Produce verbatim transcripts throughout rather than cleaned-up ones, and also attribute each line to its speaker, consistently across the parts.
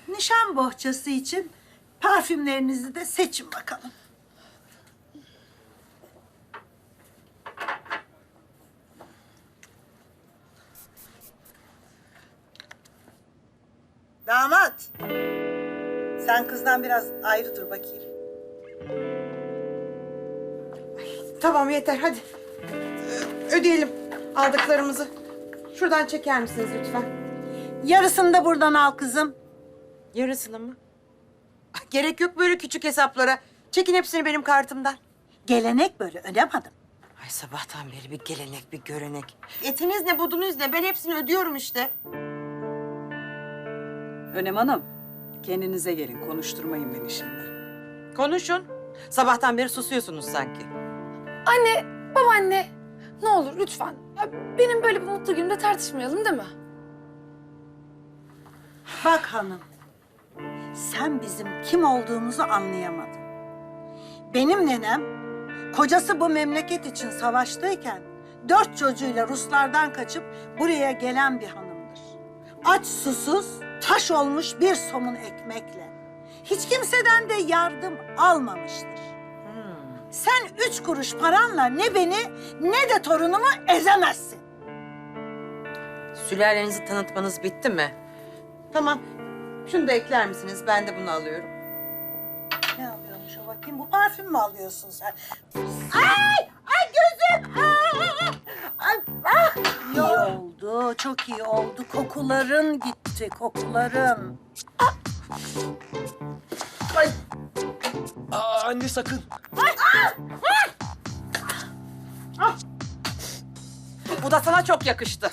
Speaker 1: nişan bohçası için parfümlerinizi de seçin bakalım. Damat, sen kızdan biraz ayrı dur bakayım.
Speaker 2: Tamam yeter hadi. Ö- Ödeyelim aldıklarımızı. Şuradan çeker misiniz lütfen?
Speaker 1: Yarısını da buradan al kızım.
Speaker 2: Yarısını mı? Ah, gerek yok böyle küçük hesaplara. Çekin hepsini benim kartımdan.
Speaker 1: Gelenek böyle, ödemedim.
Speaker 2: Ay sabahtan beri bir gelenek bir görenek. Etiniz ne budunuz ne ben hepsini ödüyorum işte.
Speaker 3: Önem Hanım, kendinize gelin. Konuşturmayın beni şimdi.
Speaker 2: Konuşun. Sabahtan beri susuyorsunuz sanki.
Speaker 4: Anne, babaanne ne olur lütfen. Ya benim böyle bir mutlu günümde tartışmayalım değil mi?
Speaker 1: Bak hanım, sen bizim kim olduğumuzu anlayamadın. Benim nenem, kocası bu memleket için savaştayken dört çocuğuyla Ruslardan kaçıp buraya gelen bir hanımdır. Aç susuz, taş olmuş bir somun ekmekle. Hiç kimseden de yardım almamıştır. Sen üç kuruş paranla ne beni ne de torunumu ezemezsin.
Speaker 2: Sülalenizi tanıtmanız bitti mi? Tamam. Şunu da ekler misiniz? Ben de bunu alıyorum.
Speaker 1: Ne alıyormuş o bakayım? Bu parfüm mü alıyorsun sen? Ay! Ay gözüm! Ay! Ay! Ah! İyi oldu, çok iyi oldu. Kokuların gitti, kokuların. Ay!
Speaker 5: Aa, anne sakın.
Speaker 2: Bu da sana çok yakıştı.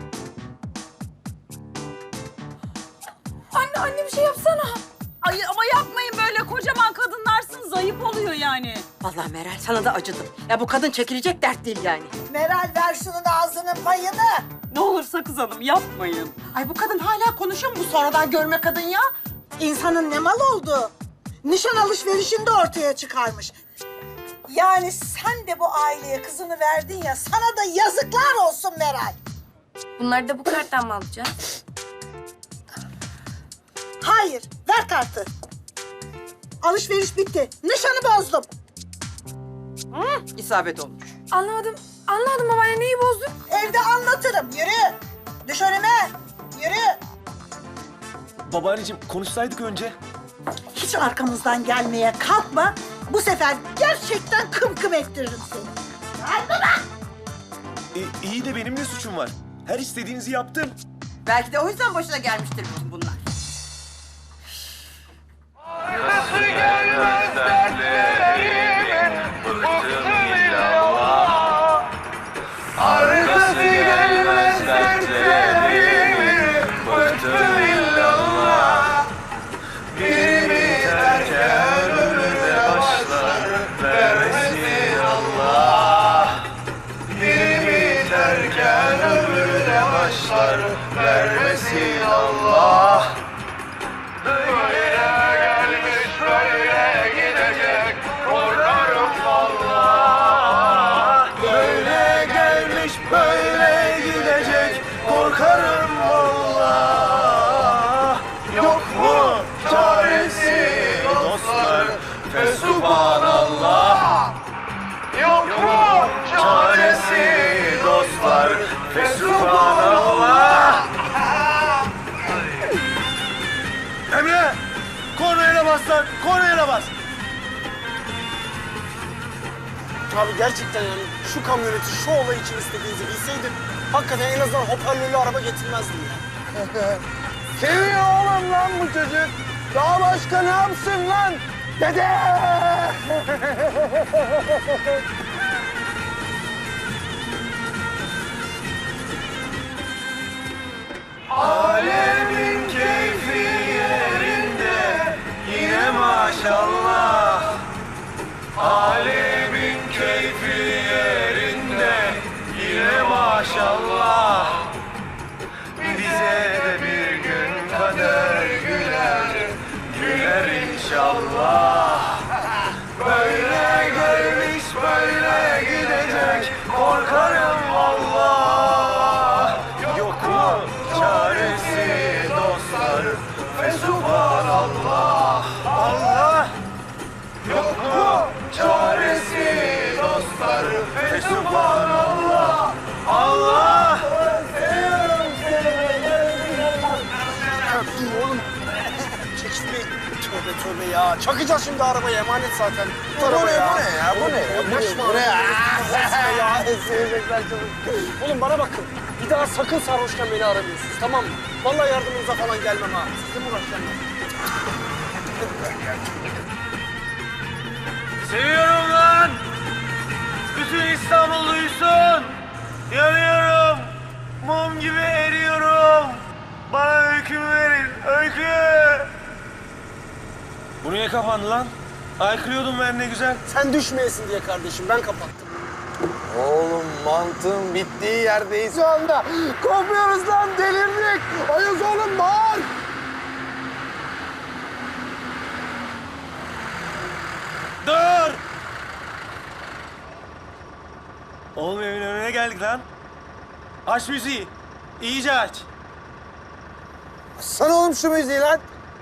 Speaker 4: Anne, anne bir şey yapsana.
Speaker 3: Ay ama yapmayın böyle. Kocaman kadınlarsınız. Ayıp oluyor yani.
Speaker 2: Vallahi Meral sana da acıdım. Ya bu kadın çekilecek dert değil yani.
Speaker 1: Meral ver şunun ağzının payını.
Speaker 3: Ne olur Sakız Hanım yapmayın.
Speaker 2: Ay bu kadın hala konuşuyor mu bu sonradan görme kadın ya?
Speaker 1: İnsanın ne mal oldu? Nişan alışverişini de ortaya çıkarmış. Yani sen de bu aileye kızını verdin ya, sana da yazıklar olsun Meral.
Speaker 4: Bunları da bu karttan mı alacağız?
Speaker 1: Hayır, ver kartı. Alışveriş bitti. Nişanı bozdum.
Speaker 2: Hı, isabet olmuş.
Speaker 4: Anlamadım. Anlamadım babaanne, neyi bozdun?
Speaker 1: Evde anlatırım. Yürü. Düş önüme. Yürü.
Speaker 5: Babaanneciğim konuşsaydık önce.
Speaker 1: Hiç arkamızdan gelmeye kalkma. Bu sefer gerçekten kım kım ettiririm seni.
Speaker 5: E, iyi de benim ne suçum var? Her istediğinizi yaptım.
Speaker 2: Belki de o yüzden başına gelmiştir bütün bunlar.
Speaker 6: Arkası gelmez dertlerimin, bıktım illallah. Arkası gelmez dertlerimin, bıktım illallah. Birimi terken ömürde başlar, vermesin Allah. Birimi terken ömürde başlar, vermesin Allah. Böyle gelmiş böyle gidecek, korkarım valla. Böyle gelmiş böyle gidecek, korkarım valla. Yok mu çaresi dostlar, fesubhanallah. Yok mu çaresi dostlar, fesubhanallah. Emre! Kornaya bas lan! Kornaya bas!
Speaker 7: Abi gerçekten yani şu kamyoneti şu olay için istediğinizi bilseydim hakikaten en azından hoparlörlü araba getirmezdim ya.
Speaker 6: Seviyor oğlum lan bu çocuk. Daha başka ne yapsın lan? Dede! Alemin keyfi yerinde yine maşallah. Alemin keyfi yerinde yine maşallah. Bize de bir gün kader güler, güler inşallah. Böyle gelmiş böyle gidecek, korkarım vallahi. Yok mu çaresi dostlar, fesubhanallah.
Speaker 7: Dur oğlum. Çekil bir. Tövbe tövbe ya. Çakacağız şimdi arabayı, emanet zaten. Bu ne, bu ne ya? Bu ne ya? Bu ne? Bu ne ya? Ya sevecekler çabuk. Oğlum bana bakın. Bir daha sakın sarhoşken beni aramıyorsunuz, tamam mı? Vallahi yardımınıza falan gelmem ha. Sizle mi uğraşacağım ben?
Speaker 5: Seviyorum lan! Bütün İstanbul duysun! Yanıyorum! Mum gibi eriyorum! Bana öykümü verin, öykü! Bu niye kapandı lan? Aykırıyordum ben ne güzel.
Speaker 7: Sen düşmeyesin diye kardeşim, ben kapattım.
Speaker 6: Oğlum mantığın bittiği yerdeyiz şu anda. Kopuyoruz lan, delirdik. Ayız oğlum, bağır.
Speaker 5: Dur! Oğlum evin önüne geldik lan. Aç müziği. İyice aç.
Speaker 6: Sana oğlum şu müziği lan.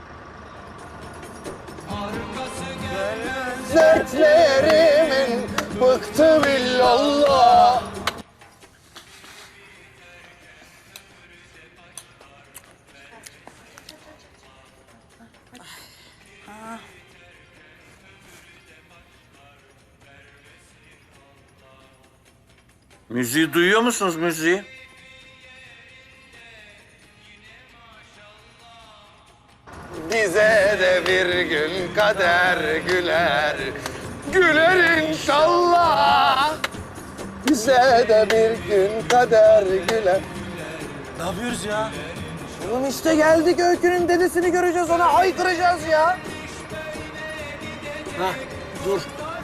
Speaker 6: Dertlerimin bıktı billallah.
Speaker 8: Müziği duyuyor musunuz müziği?
Speaker 6: Bize de bir gün kader güler. Güler inşallah. Bize de bir gün kader güler.
Speaker 5: Ne yapıyoruz ya?
Speaker 6: Oğlum işte geldik, Öykü'nün dedesini göreceğiz, ona haykıracağız ya.
Speaker 7: Hah, dur.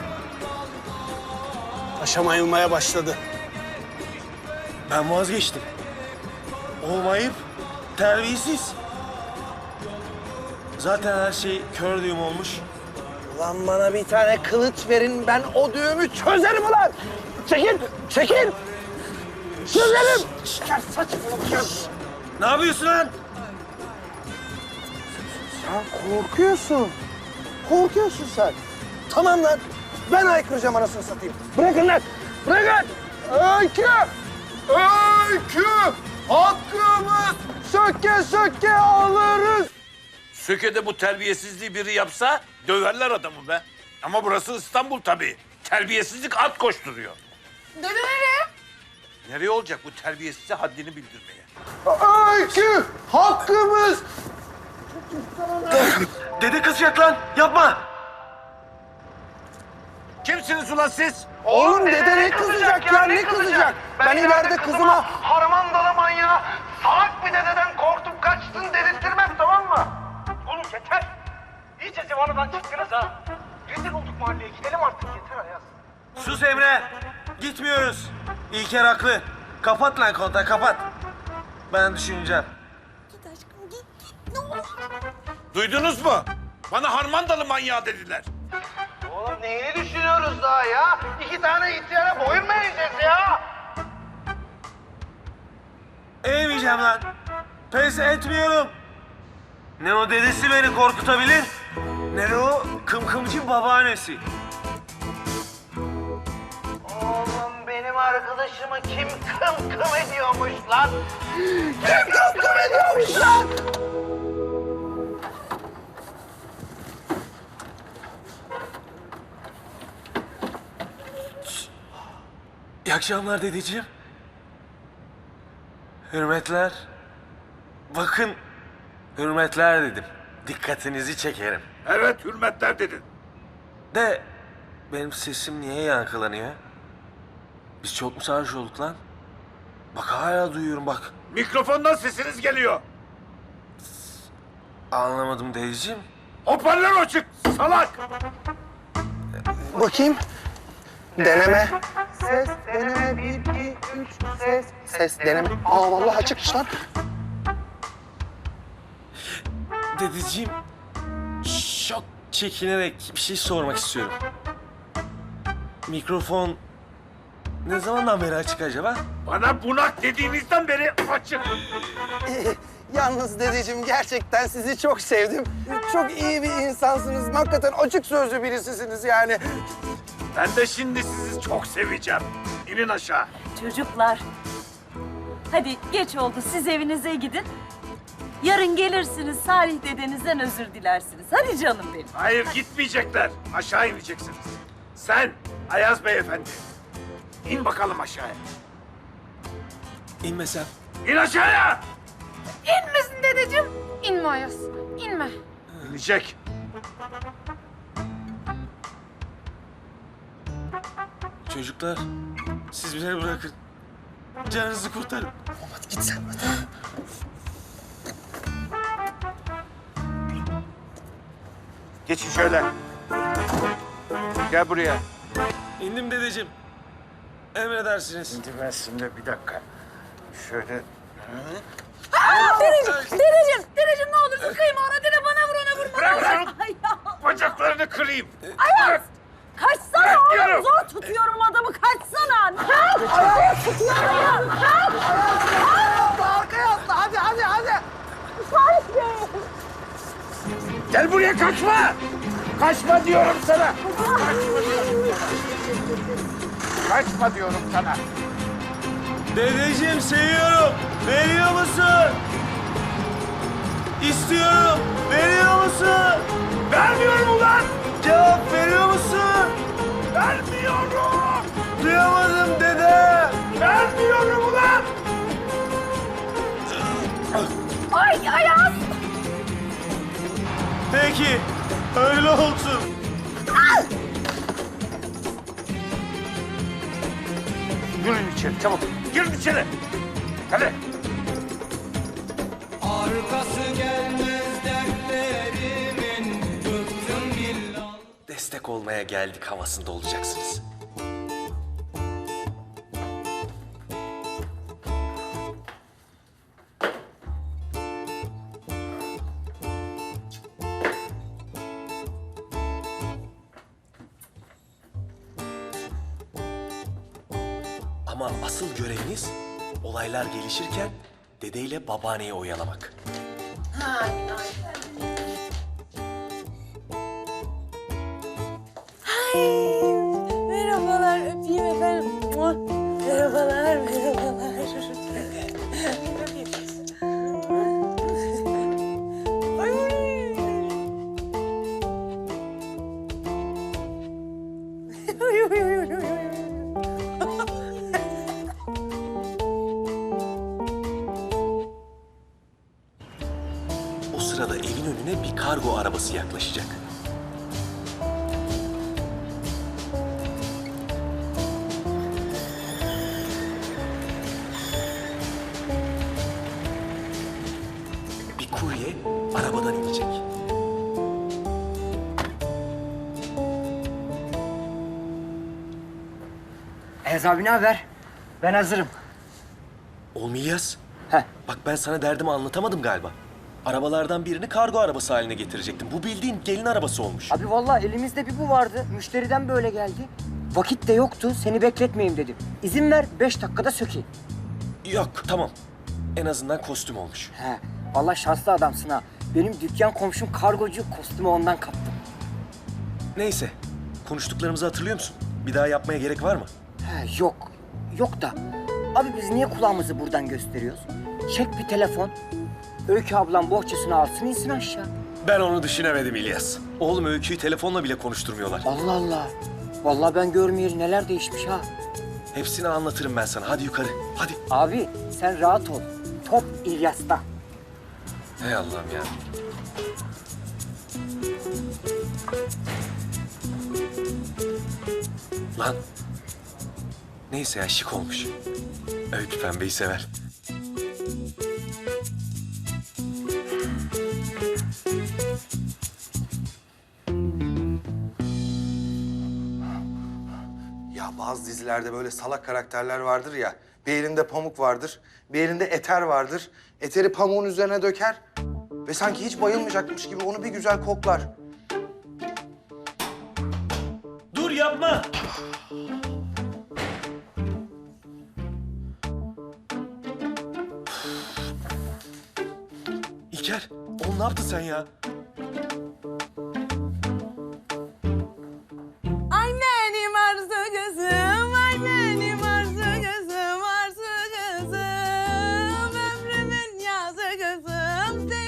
Speaker 7: Aşama yılmaya başladı.
Speaker 5: Ben vazgeçtim. Olmayıp terbiyesiz. Zaten her şey kör düğüm olmuş.
Speaker 6: Ulan bana bir tane kılıç verin, ben o düğümü çözerim ulan. Çekil, çekil. Çözelim. Ya saçmalama.
Speaker 5: Ne yapıyorsun lan?
Speaker 6: Sen korkuyorsun. Korkuyorsun sen. Tamam lan. Ben haykıracağım anasını satayım. Bırakın lan. Bırakın. Öykü. Öykü. Hakkımız söke söke alırız.
Speaker 8: Söke'de bu terbiyesizliği biri yapsa döverler adamı be. Ama burası İstanbul tabii. Terbiyesizlik at koşturuyor.
Speaker 4: Dede nereye?
Speaker 8: Nereye olacak bu terbiyesize haddini bildirmeye?
Speaker 6: Öykü. Hakkımız.
Speaker 5: Dede kızacak lan. Yapma.
Speaker 8: Kimsiniz ulan siz?
Speaker 6: Oğlum dede ne kızacak ya, ne kızacak? Ben ileride kızıma
Speaker 9: harmandalı manyağı salak bir dededen korktum kaçtın dedirttirmem, tamam mı? Oğlum yeter. İyice zıvanadan çıktınız ha. Rezil olduk mahalleye, gidelim artık, yeter Ayaz.
Speaker 5: Sus Emre. Gitmiyoruz. İlker haklı. Kapat lan kontağı, kapat. Ben düşüneceğim.
Speaker 8: Duydunuz mu? Bana harmandalı manyağı dediler.
Speaker 9: Oğlum neyini düşünüyoruz daha ya? İki tane ihtiyara boyun mu eğeceğiz ya?
Speaker 5: Eğmeyeceğim lan. Pes etmiyorum. Ne o dedesi beni korkutabilir, ne de o kımkımcı babaannesi.
Speaker 9: Oğlum benim arkadaşımı kim kım kım ediyormuş lan?
Speaker 6: kim kım kım ediyormuş lan?
Speaker 5: İyi akşamlar dedeciğim. Hürmetler. Bakın, hürmetler dedim. Dikkatinizi çekerim.
Speaker 8: Evet hürmetler dedin.
Speaker 5: De benim sesim niye yankılanıyor? Biz çok mu sarhoş olduk lan? Bak hala duyuyorum bak.
Speaker 8: Mikrofondan sesiniz geliyor.
Speaker 5: Anlamadım dedeciğim.
Speaker 8: Hoparlör açık salak.
Speaker 6: Bakayım. Deneme. Ses, deneme. Bir, iki, üç, ses. Ses, deneme. Aa vallahi açıkmış lan.
Speaker 5: Dedeciğim, çok çekinerek bir şey sormak istiyorum. Mikrofon ne zamandan beri açık acaba?
Speaker 8: Bana bunak dediğinizden beri açık.
Speaker 6: Yalnız dedeciğim gerçekten sizi çok sevdim. Çok iyi bir insansınız. Hakikaten açık sözlü birisisiniz yani.
Speaker 8: Ben de şimdi sizi çok seveceğim. İnin aşağı.
Speaker 3: Çocuklar. Hadi geç oldu. Siz evinize gidin. Yarın gelirsiniz Salih dedenizden özür dilersiniz. Hadi canım benim.
Speaker 8: Hayır gitmeyecekler. Aşağı ineceksiniz. Sen Ayaz Beyefendi. İn bakalım aşağıya.
Speaker 5: İnmesem.
Speaker 8: İn aşağıya.
Speaker 4: İnmesin dedeciğim. İnme Ayaz. İnme.
Speaker 8: İnecek.
Speaker 5: Çocuklar, siz beni bırakın. Canınızı kurtarın.
Speaker 6: Hadi git sen.
Speaker 8: Geçin şöyle. Gel buraya.
Speaker 5: İndim dedeciğim. Emredersiniz.
Speaker 8: Şimdi ben şimdi bir dakika. Şöyle.
Speaker 4: Dedeciğim, dedeciğim, dedeciğim ne olursun kıyma ona. Dede bana vur, ona vurma.
Speaker 8: Bırak lan!
Speaker 3: Ay ya.
Speaker 8: Bacaklarını kırayım.
Speaker 3: Ayaz! Kaçsana
Speaker 8: Bırakıyorum.
Speaker 3: oğlum. Zor tutuyorum adamı. Kaçsana. Kalk! Ayaz tutuyorum ya. Kalk!
Speaker 6: Arkaya atla hadi hadi hadi.
Speaker 3: Salih Bey!
Speaker 8: Gel buraya kaçma! Kaçma diyorum sana! Kaçma diyorum sana! Kaçma diyorum sana!
Speaker 5: Dedeciğim seviyorum. Veriyor musun? İstiyorum. Veriyor musun?
Speaker 8: Vermiyorum ulan!
Speaker 5: Cevap veriyor musun?
Speaker 8: Vermiyorum!
Speaker 5: Duyamadım dede.
Speaker 8: Vermiyorum ulan!
Speaker 3: Ay Ayaz!
Speaker 5: Peki, öyle olsun.
Speaker 8: Girin içeri çabuk. Girin içeri. Hadi.
Speaker 10: Destek olmaya geldik havasında olacaksınız. Ama asıl göreviniz olaylar gelişirken dedeyle babaanneyi oyalamak.
Speaker 3: Merhabalar, öpeyim efendim. Muah. Merhabalar, merhabalar. Ay. Ay, ay, ay, ay, ay.
Speaker 10: O sırada evin önüne bir kargo arabası yaklaşacak. Bir kurye arabadan inecek.
Speaker 6: Ayaz abi ne haber? Ben hazırım.
Speaker 10: Olmayacağız.
Speaker 6: Heh.
Speaker 10: Bak ben sana derdimi anlatamadım galiba. Arabalardan birini kargo arabası haline getirecektim. Bu bildiğin gelin arabası olmuş.
Speaker 11: Abi vallahi elimizde bir bu vardı. Müşteriden böyle geldi. Vakit de yoktu. Seni bekletmeyeyim dedim. İzin ver beş dakikada sökeyim.
Speaker 10: Yok tamam. En azından kostüm olmuş.
Speaker 11: He. Vallahi şanslı adamsın ha. Benim dükkan komşum kargocu, kostümü ondan kaptım.
Speaker 10: Neyse. Konuştuklarımızı hatırlıyor musun? Bir daha yapmaya gerek var mı?
Speaker 11: He yok. Yok da. Abi biz niye kulağımızı buradan gösteriyoruz? Çek bir telefon. Öykü ablam bohçasını alsın insin aşağı.
Speaker 10: Ben onu düşünemedim İlyas. Oğlum Öykü'yü telefonla bile konuşturmuyorlar.
Speaker 11: Allah Allah. Vallahi ben görmeyeli neler değişmiş ha.
Speaker 10: Hepsini anlatırım ben sana. Hadi yukarı. Hadi.
Speaker 11: Abi sen rahat ol. Top İlyas'ta.
Speaker 10: Hey Allah'ım ya. Lan. Neyse ya şık olmuş. Öykü pembeyi sever.
Speaker 6: Ya bazı dizilerde böyle salak karakterler vardır ya. Bir elinde pamuk vardır, bir elinde eter vardır. Eteri pamuğun üzerine döker ve sanki hiç bayılmayacakmış gibi onu bir güzel koklar.
Speaker 5: Dur yapma.
Speaker 10: İlker, oğlum ne yaptın sen ya?
Speaker 3: Ay benim arzu gözüm, ay benim arzu gözüm, arzu gözüm. Ömrümün yazı gözüm,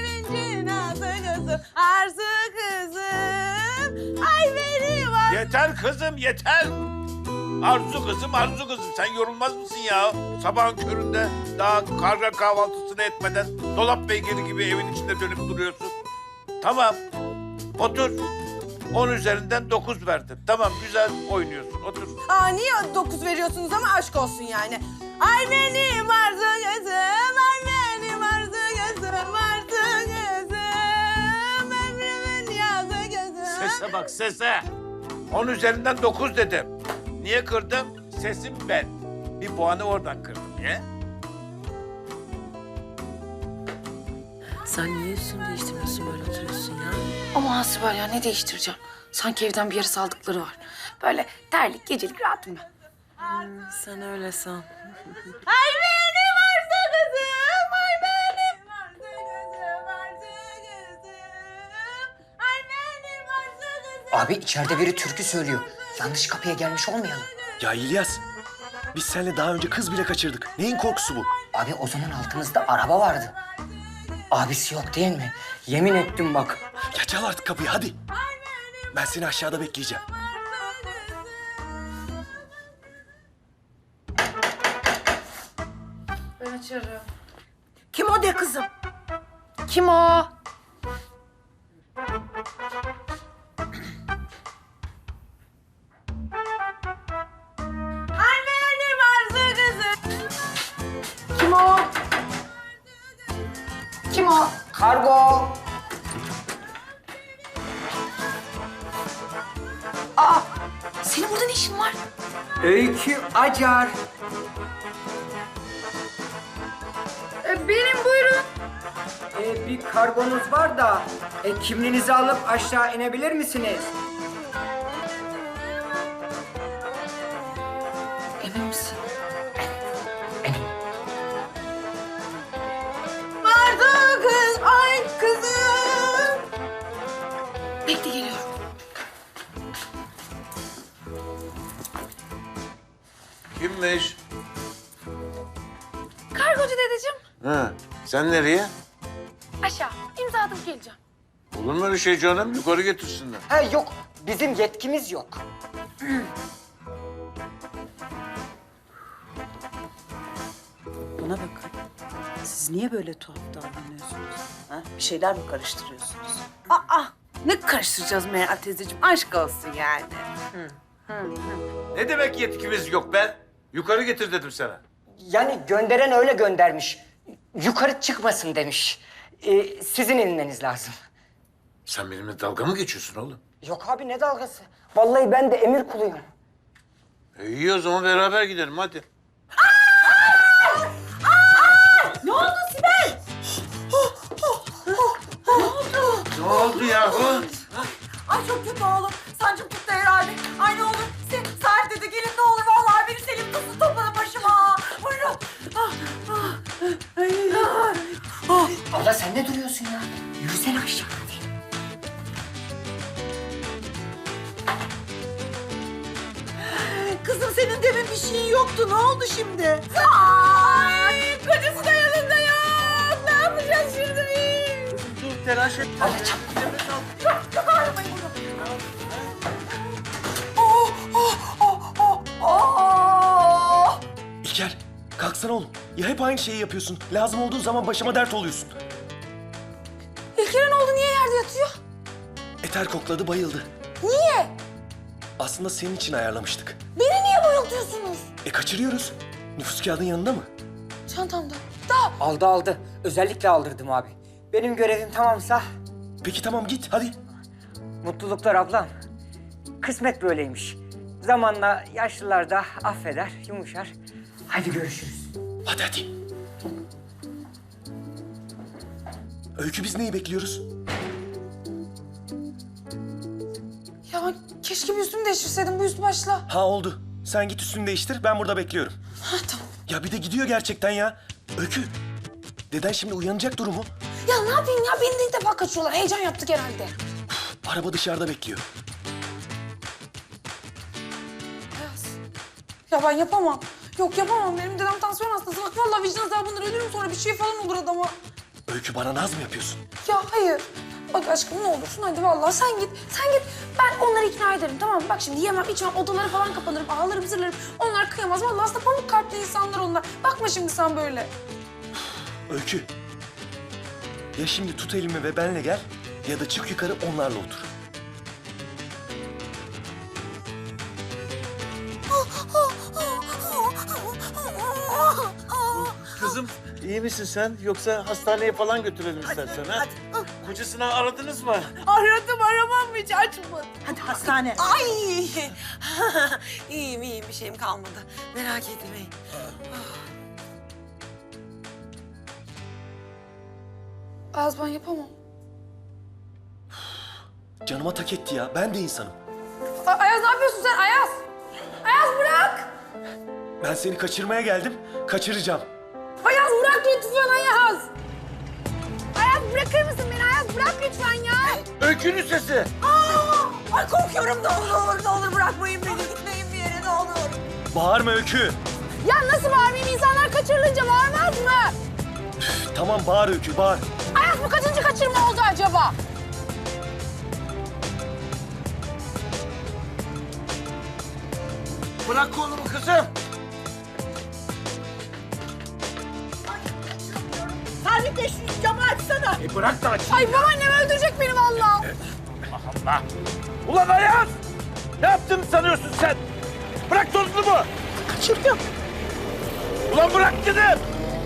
Speaker 8: Yeter kızım yeter. Arzu kızım Arzu kızım sen yorulmaz mısın ya? Sabahın köründe daha karga kahvaltısını etmeden dolap beygiri gibi evin içinde dönüp duruyorsun. Tamam otur. On üzerinden dokuz verdim. Tamam güzel oynuyorsun otur.
Speaker 2: Aa niye dokuz veriyorsunuz ama aşk olsun yani. Ay benim arzu gözüm, ay benim arzu gözüm, arzu gözüm, ömrümün yazı gözüm.
Speaker 8: Sese bak sese. On üzerinden dokuz dedim. Niye kırdım? Sesim ben. Bir puanı oradan kırdım. Niye?
Speaker 2: Sen niye üstünü değiştirmiyorsun böyle oturuyorsun ya?
Speaker 4: Ama Hasibel ya ne değiştireceğim? Sanki evden bir yere saldıkları var. Böyle terlik, gecelik rahatım ben.
Speaker 2: Sen öyle san.
Speaker 3: Ay benim arzu kızım, ay benim arzu kızım, arzu kızım. Ay benim arzu kızım.
Speaker 11: Abi içeride biri türkü söylüyor. Yanlış kapıya gelmiş olmayalım.
Speaker 10: Ya İlyas, biz seninle daha önce kız bile kaçırdık. Neyin korkusu bu?
Speaker 11: Abi o zaman altımızda araba vardı. Abisi yok değil mi? Yemin ettim bak.
Speaker 10: Ya çal artık kapıyı hadi. Ben seni aşağıda bekleyeceğim.
Speaker 4: Ben açarım.
Speaker 1: Kim o de kızım?
Speaker 4: Kim o?
Speaker 3: Ay benim arzu kızım.
Speaker 4: Kim o? Kim o?
Speaker 11: Kargo.
Speaker 4: Senin burada ne işin var?
Speaker 11: Öykü Acar.
Speaker 4: Ee, benim buyurun.
Speaker 11: Ee, bir kargonuz var da e, kimliğinizi alıp aşağı inebilir misiniz?
Speaker 4: Emin misin?
Speaker 2: Arzu kız, ay kızım.
Speaker 4: Bekle geliyorum.
Speaker 8: Kimmiş?
Speaker 4: Kargocu dedeciğim.
Speaker 8: Ha, sen nereye?
Speaker 4: Aşağı. İmza atıp geleceğim.
Speaker 8: Olur mu öyle şey canım? Yukarı getirsinler.
Speaker 11: Ha yok, bizim yetkimiz yok.
Speaker 12: Bana bakın. Siz niye böyle tuhaf davranıyorsunuz? Ha? Bir şeyler mi karıştırıyorsunuz?
Speaker 2: Aa, ne karıştıracağız Meral teyzeciğim? Aşk olsun yani.
Speaker 8: Ne demek yetkimiz yok be? Yukarı getir dedim sana.
Speaker 11: Yani gönderen öyle göndermiş. Yukarı çıkmasın demiş. Ee, sizin inmeniz lazım.
Speaker 8: Sen benimle dalga mı geçiyorsun oğlum?
Speaker 11: Yok abi ne dalgası? Vallahi ben de emir kuluyum.
Speaker 8: E iyi o zaman beraber gidelim hadi.
Speaker 3: Ne oldu Sibel?
Speaker 8: Ne oldu yahu?
Speaker 3: Ay çok kötü oğlum. Sancım tuttu herhalde. Ay ne olur. Se Sahip dedi gelin ne olur. Vallahi beni Selim tutsun topladı başıma. Buyurun. Ah, ah. Ay, ay. Oh.
Speaker 11: Abla sen ne duruyorsun ya? Yürüsene aşağı hadi.
Speaker 1: Kızım senin demin bir şeyin yoktu. Ne oldu şimdi?
Speaker 3: Ay kocası da yanında yok. Ne yapacağız şimdi biz?
Speaker 8: Dur telaş et.
Speaker 11: Abla çabuk.
Speaker 3: Yok yok ağrımayın bunu. Oh oh oh oh oh.
Speaker 10: İlker, kalksana oğlum. Ya hep aynı şeyi yapıyorsun. Lazım olduğu zaman başıma dert oluyorsun.
Speaker 4: İlker'e ne oldu? Niye yerde yatıyor?
Speaker 10: Eter kokladı, bayıldı.
Speaker 4: Niye?
Speaker 10: Aslında senin için ayarlamıştık.
Speaker 4: Beni niye bayıltıyorsunuz?
Speaker 10: E kaçırıyoruz. Nüfus kağıdın yanında mı?
Speaker 4: Çantamda. Da.
Speaker 11: Aldı aldı. Özellikle aldırdım abi. Benim görevim tamamsa
Speaker 10: Peki tamam git hadi.
Speaker 11: mutluluklar ablam. Kısmet böyleymiş. Zamanla yaşlılar da affeder, yumuşar. Hadi görüşürüz.
Speaker 10: Hadi hadi. Öykü biz neyi bekliyoruz?
Speaker 4: Ya keşke bir üstümü değiştirseydim bu üst başla.
Speaker 10: Ha oldu. Sen git üstünü değiştir ben burada bekliyorum.
Speaker 4: Ha tamam.
Speaker 10: Ya bir de gidiyor gerçekten ya. Öykü. Deden şimdi uyanacak durumu.
Speaker 4: Ya ne yapayım ya? Beni de ilk defa kaçıyorlar. Heyecan yaptık herhalde.
Speaker 10: Araba dışarıda bekliyor.
Speaker 4: Ayaz. Ya ben yapamam. Yok yapamam. Benim dedem tansiyon hastası. Bak vallahi vicdan azabından ölürüm sonra bir şey falan olur adama.
Speaker 10: Öykü bana naz mı yapıyorsun?
Speaker 4: Ya hayır. Bak aşkım ne olursun hadi vallahi sen git. Sen git. Ben onları ikna ederim tamam mı? Bak şimdi yemem içmem odaları falan kapanırım. Ağlarım zırlarım. Onlar kıyamaz. Vallahi aslında pamuk kalpli insanlar onlar. Bakma şimdi sen böyle.
Speaker 10: Öykü. Ya şimdi tut elimi ve benle gel ya da çık yukarı onlarla otur.
Speaker 5: Kızım iyi misin sen? Yoksa hastaneye falan götürelim istersen ha? Kocasını aradınız mı?
Speaker 2: Aradım aramam mı hiç açmadı.
Speaker 1: Hadi hastane.
Speaker 3: Ay! iyiyim iyiyim bir şeyim kalmadı. Merak etmeyin.
Speaker 4: Ayaz ben yapamam.
Speaker 10: Canıma tak etti ya. Ben de insanım.
Speaker 4: A- Ayaz ne yapıyorsun sen Ayaz? Ayaz bırak.
Speaker 10: Ben seni kaçırmaya geldim. Kaçıracağım.
Speaker 4: Ayaz bırak lütfen Ayaz. Ayaz bırakır mısın beni Ayaz? Bırak lütfen ya.
Speaker 5: Öykünün sesi.
Speaker 3: Aa! Ay korkuyorum ne olur ne olur ne olur bırakmayın beni gitmeyin bir yere ne olur.
Speaker 10: Bağırma Öykü.
Speaker 4: Ya nasıl bağırmayayım? İnsanlar kaçırılınca bağırmaz mı?
Speaker 10: Üf, tamam bağır Öykü bağır.
Speaker 4: Ayaz bu kaçıncı kaçırma oldu acaba?
Speaker 5: Bırak kolumu kızım.
Speaker 1: Salih de şu camı açsana.
Speaker 5: E bırak da aç.
Speaker 4: Ay babaannem öldürecek beni vallahi.
Speaker 5: Allah. Ulan Ayaz! Ne yaptığını sanıyorsun sen? Bırak tozunumu.
Speaker 1: Kaçırdım.
Speaker 5: Ulan bırak dedim.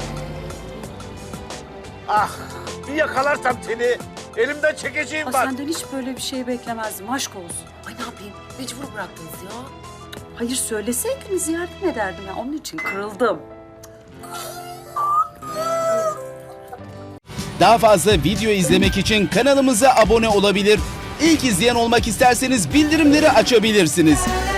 Speaker 5: Ah bir yakalarsam seni elimden çekeceğim
Speaker 12: Aa,
Speaker 5: bak.
Speaker 12: senden hiç böyle bir şey beklemezdim. Aşk olsun.
Speaker 3: Ay ne yapayım mecbur bıraktınız ya.
Speaker 12: Hayır söyleseydiniz yardım ederdim ya. Onun için kırıldım.
Speaker 13: Daha fazla video izlemek için kanalımıza abone olabilir. İlk izleyen olmak isterseniz bildirimleri açabilirsiniz.